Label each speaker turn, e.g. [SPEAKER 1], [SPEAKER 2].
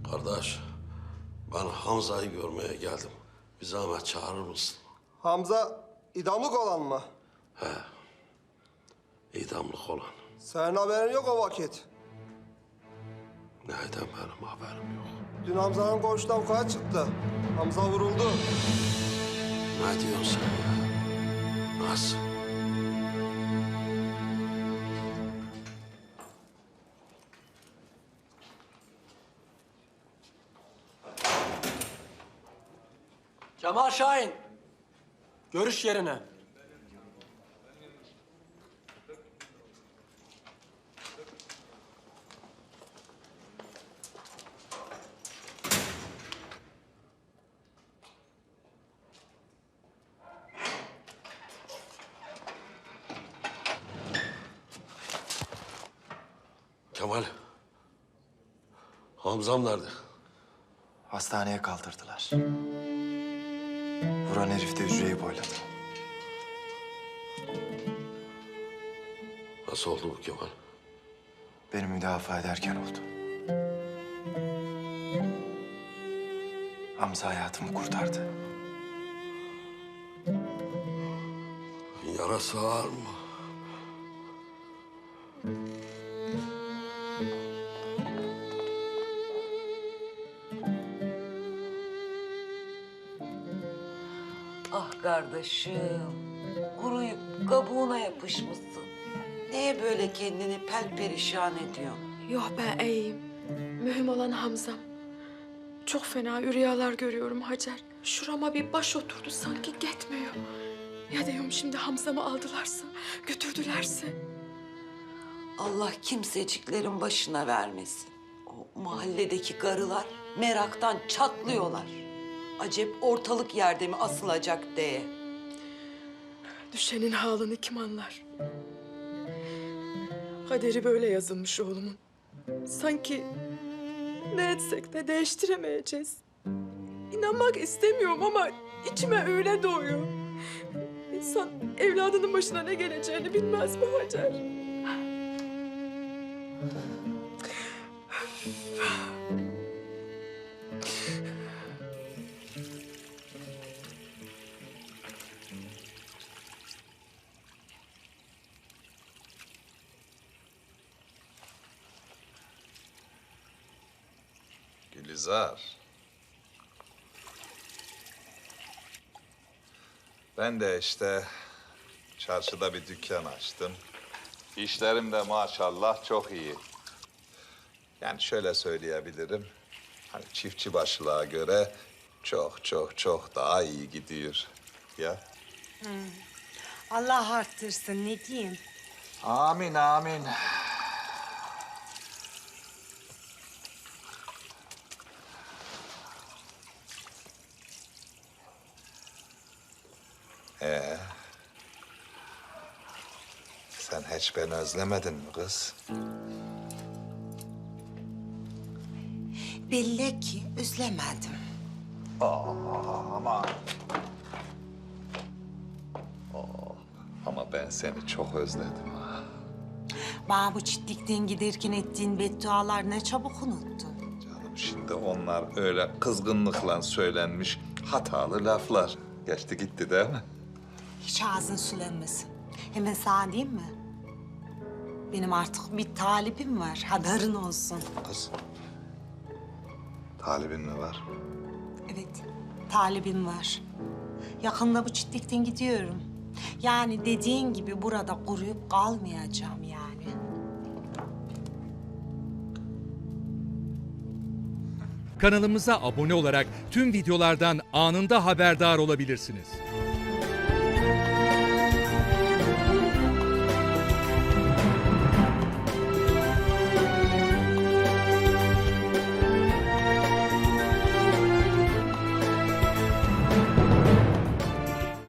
[SPEAKER 1] Kardeş, ben Hamza'yı görmeye geldim. Bir zahmet çağırır mısın?
[SPEAKER 2] Hamza idamlık olan mı?
[SPEAKER 1] İdamlık olan.
[SPEAKER 2] Senin haberin yok o vakit.
[SPEAKER 1] Neyden benim haberim yok.
[SPEAKER 2] Dün Hamza'nın koğuştan kaya çıktı. Hamza vuruldu.
[SPEAKER 1] Ne diyorsun sen ya? Nasıl?
[SPEAKER 3] Cemal Şahin. Görüş yerine.
[SPEAKER 1] Kemal. Hamzam nerede?
[SPEAKER 4] Hastaneye kaldırdılar. Vuran herif de hücreyi boyladı.
[SPEAKER 1] Nasıl oldu bu Kemal?
[SPEAKER 4] Beni müdafaa ederken oldu. Hamza hayatımı kurtardı.
[SPEAKER 1] Yarası ağır mı?
[SPEAKER 5] Ah kardeşim, kuruyup kabuğuna yapışmışsın. Neye böyle kendini perperişan ediyorsun?
[SPEAKER 6] Yok ben iyiyim. Mühim olan Hamzam. Çok fena rüyalar görüyorum Hacer. Şurama bir baş oturdu sanki gitmiyor. Ya diyorum şimdi Hamzamı aldılarsa, götürdülerse.
[SPEAKER 5] Allah kimseciklerin başına vermesin. O mahalledeki karılar meraktan çatlıyorlar. Acep ortalık yerde mi asılacak diye.
[SPEAKER 6] Düşenin halini kim anlar? Kaderi böyle yazılmış oğlumun. Sanki ne etsek de değiştiremeyeceğiz. İnanmak istemiyorum ama içime öyle doğuyor. İnsan evladının başına ne geleceğini bilmez mi Hacer?
[SPEAKER 7] Gülizar. Ben de işte çarşıda bir dükkan açtım. İşlerim de maşallah çok iyi. Yani şöyle söyleyebilirim. Hani çiftçi başlığa göre çok daha iyi gidiyor. Ya.
[SPEAKER 8] Allah arttırsın ne diyeyim.
[SPEAKER 7] Amin amin. Sen hiç beni özlemedin mi kız?
[SPEAKER 8] Belli ki özlemedim.
[SPEAKER 7] Ama ben seni çok özledim ha.
[SPEAKER 8] Bana bu çitlikten giderken ettiğin beddualar ne çabuk unuttun.
[SPEAKER 7] Canım şimdi onlar öyle kızgınlıkla söylenmiş hatalı laflar. Geçti gitti değil mi?
[SPEAKER 8] Hiç ağzın sulanmasın. Hemen sana diyeyim mi? Benim artık bir talibim var, haberin olsun.
[SPEAKER 7] Kız. Talibin mi var?
[SPEAKER 8] Evet, talibim var. Yakında bu çitlikten gidiyorum. Yani dediğin gibi burada kuruyup kalmayacağım yani.
[SPEAKER 9] Kanalımıza abone olarak tüm videolardan anında haberdar olabilirsiniz.